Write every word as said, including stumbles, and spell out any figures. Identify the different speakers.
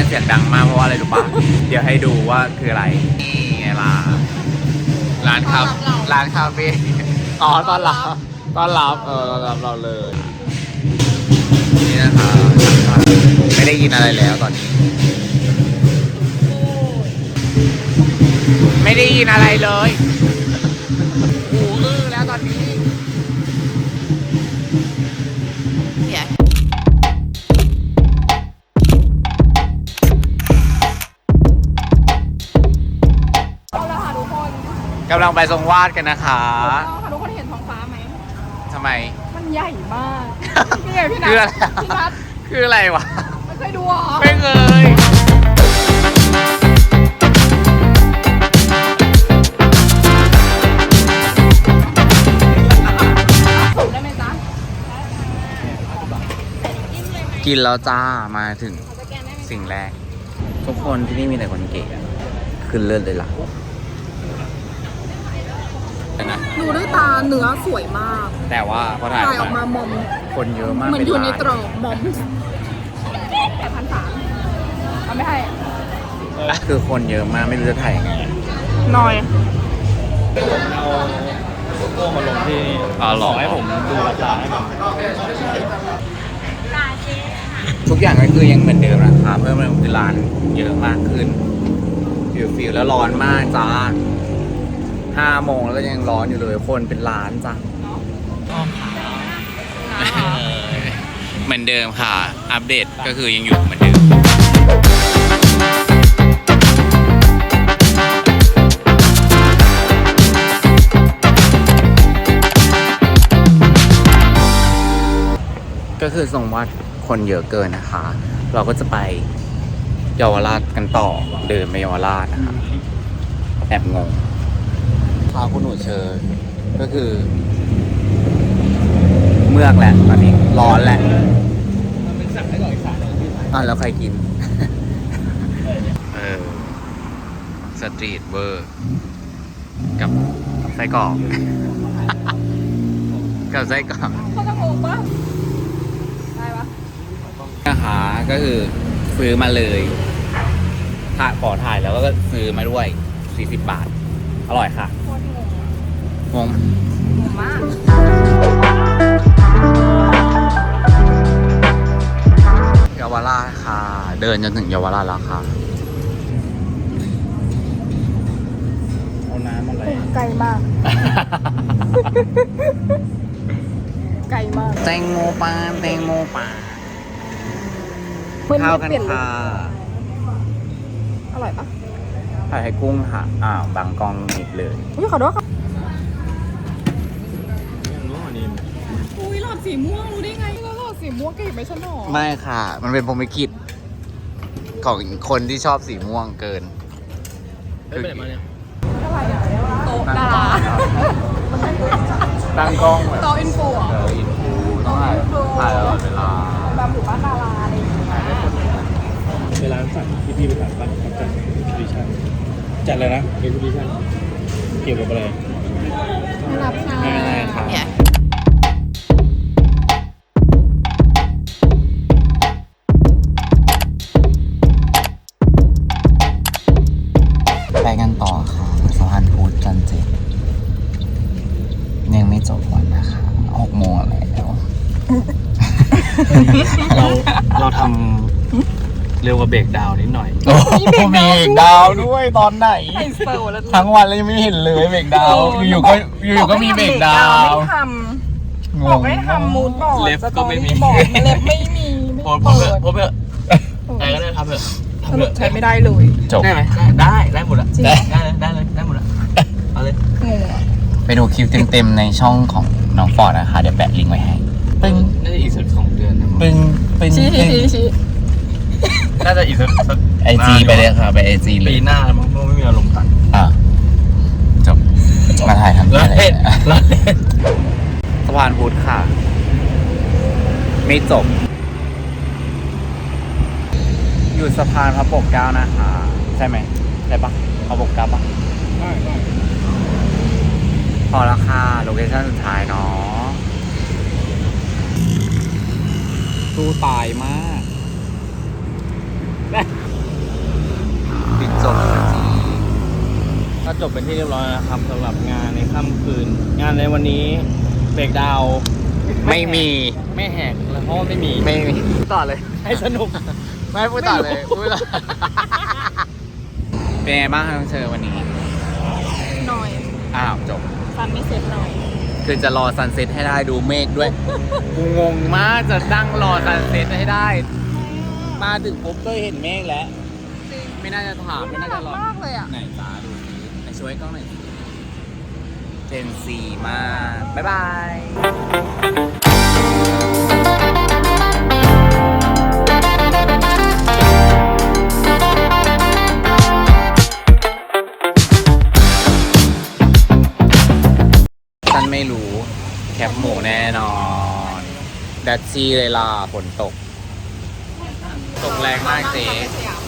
Speaker 1: เสียงดังมากเพราะว่าอะไรรู้ปะ เดี๋ยวให้ดูว่าคืออะไรนี่ไงล่ะร้านคาร้านคาเฟ่อ๋อตอนรับตอนรับเออตอนรับเราเลยนี่นะคะไม่ได้ยินอะไรแล้วตอนนี้ไม่ได้ยินอะไรเลยหูอื้อแล้วตอนนี้กำลังไปทรงวาดกันนะคะ
Speaker 2: ทุกคนเห็นท้องฟ้าไหม
Speaker 1: ทำไม
Speaker 2: มันใหญ่มากนี่ไงพี่นัทพี่นัท
Speaker 1: คืออะไรวะ
Speaker 2: ไม่เคยดูหรอ
Speaker 1: ไม่เคย
Speaker 2: ได้ไหมจ๊ะ
Speaker 1: กินแล้วจ้ามาถึงสิ่งแรกทุกคนที่นี่มีแต่คนเก๋ขึ้นเลือดเลยล่ะ
Speaker 2: ดูด้วยตาเนื้อสวยมาก
Speaker 1: แต่ว่าพอถ่าย
Speaker 2: ออกมามอม
Speaker 1: คนเยอะมาก
Speaker 2: เหมือนอยู่ในตรอกมอมแต่พันสามเอาไม่ให้
Speaker 1: คือคนเยอะมากไม่รู้จะถ่ายยังไง
Speaker 2: น้อย
Speaker 3: เอาโก้มาลงที่
Speaker 1: อ๋อหรอ
Speaker 3: ให้ผมดูราคาให้ผม
Speaker 1: ทุกอย่างก็คือยังเหมือนเดิมนะคะเพิ่มเติมคือร้านเยอะมากขึ้นฟิวฟิวแล้วร้อนมากจ้าห้าโมงแล้วก็ยังร้อนอยู่เลยคนเป็นล้านจ้ะเหมือนเดิมค่ะอัปเดตก็คือยังอยู่เหมือนเดิมก็คือทรงวัดคนเยอะเกินนะคะเราก็จะไปเยาวราชกันต่อเดินไปเยาวราชนะคะแอบงงพาคุณหนูเชิญก็คือเมือกแหละตอนนี้ร้อนแหละ
Speaker 3: มันเป็นสั่งให้ก่อนอีกสายนึง
Speaker 1: อ่ะแล้วใครกินเออสตรีทเวอร์กับไส้กรอกกับไส้กรอก
Speaker 2: เขาจะงงปะได้ปะ
Speaker 1: นะคะก็คือซื้อมาเลยถ่ายขอถ่ายแล้วก็ซื้อมาด้วยสี่สิบบาทอร่อยค่ะงง
Speaker 2: งงมาก
Speaker 1: เยาวราชค่ะเดินจนถึงเยาวราชแล้วค่ะ
Speaker 3: เอาน้ำอะไร
Speaker 2: ไกลมากไกลมาก
Speaker 1: แตงโมปลาแตงโมปลาข้าวกันค่ะ
Speaker 2: อร่อยปะ
Speaker 1: ผัดไทยกุ้งค่ะอ้าวบางกองนิดเลย
Speaker 2: อุ้ยขอโทษค่ะอุ้ยหลอดสีม่วงรู้ได้ไงแล้วหลอดสีม่วงก็เห็นไหมฉันหรอ
Speaker 1: ไม่ค่ะมันเป็นพรหมลิขิตของคนที่ชอบสีม่วงเกิน
Speaker 3: คือไปไหนมาเนี่ย
Speaker 2: โต๊ะดารา
Speaker 1: ตั้งกล้อง
Speaker 2: โต๊ะอินฟูอ่ะ
Speaker 1: อินฟูต้องถ่ายถ่ายตลอดเวลา
Speaker 2: แบบหมู่บ้านดาราอะไรอย่างเงี้ย
Speaker 3: เวลาสั่งที่พี่ไปสั่งบ้านเขาจัดเอ็กซิบิชันจัดอะไรนะเอ็กซิบิชันเกี่ยวกับอะไร
Speaker 2: ไม่รับค่ะ
Speaker 1: ไม่เป็นไรครับไปกันต่อค่ะสะพานพุทธจันทร์เจ็ดยังไม่จบวันนะคะหกโมงแล้ว
Speaker 3: เราเราทำเร็วกว่าเบรกดาวนิดหน่อย
Speaker 1: มีเบรกดาวด้วยตอนไหนทั้งวันเลยยังไม่เห็นเลยเบรกดาวอยู่ก็อยู่ก็มีเบรกดาว
Speaker 2: ไม่ทำบอกให้ทำมูดบอร์ด
Speaker 3: เล็บก็ไม่มี
Speaker 2: เล็บไม่มี
Speaker 3: พอพอเถอะพอเถอะใครก็ได้ทำเถอะ
Speaker 2: สรุปใช้ไม่ได้เลย
Speaker 1: จบ
Speaker 3: ได้ไหมได้ได้หมดละได้ได้เลยได้เลยได้หมดละเอาเลย
Speaker 1: ไปดูคลิปเต็มๆในช่องของน้องฟอร์ดนะคะเดี๋ยวแปะลิงก์ไว้ให้
Speaker 3: ปึ้งน่าจะอีกสักสองเดือนนะ
Speaker 1: ปึ้งปึ้ง
Speaker 2: ชี้ชี้ชี้
Speaker 3: น่าจะอีกสัก
Speaker 1: ไอจีไปเลยค่ะไปไอจีเลย
Speaker 3: ปีหน้ามันก็ไม่มีอารมณ์ตัด
Speaker 1: อ่ะจบมาถ่ายทำอะไรสะพานพุทธค่ะไม่จบอยู่สะพานพระปกเกล้านะคะใช่ไหมใช่ปะพระปกเกล้าปะ
Speaker 3: ใช่ใช่
Speaker 1: พอแล้วค่ะโลเคชั่นสุดท้ายเนาะตู้ตายมากปิดจบสักที
Speaker 3: ก็จบเป็นที่เรียบร้อยแล้วนะครับสำหรับงานในค่ำคืน งานในวันนี้เบรกดาวน์
Speaker 1: ไม่มี
Speaker 3: ไม่แหกแล้วเพราะว่าไม่มี
Speaker 1: ไม่มีต่อเลย
Speaker 3: ให้สนุก
Speaker 1: ไม่พูดต่อเลยพูดต่อเป็นไงบ้างครับน้องเชอวันนี้
Speaker 2: หน่อย
Speaker 1: อ้าวจบ
Speaker 2: ฟันไม่เสร็จหน่อย
Speaker 1: คือจะรอซันเซ็ตให้ได้ดูเมฆด้วย กูงงมากจะนั่งรอซันเซ็ตให้ได้ มาถึงปุ๊บก็เห็นเมฆแล้ว ไม่น่าจะถามไม่น่าจะรอ
Speaker 2: มากเลยอ่ะ
Speaker 1: ไหนจ้าดูสิไหนช่วยกล้องหน่อยสิเจนซีมาก บ๊ายบาย ฉันไม่รู้แคปหมูแน่นอนดัชชี่เลยล่ะฝนตก ตกแรงมากเจ๊
Speaker 2: สยาม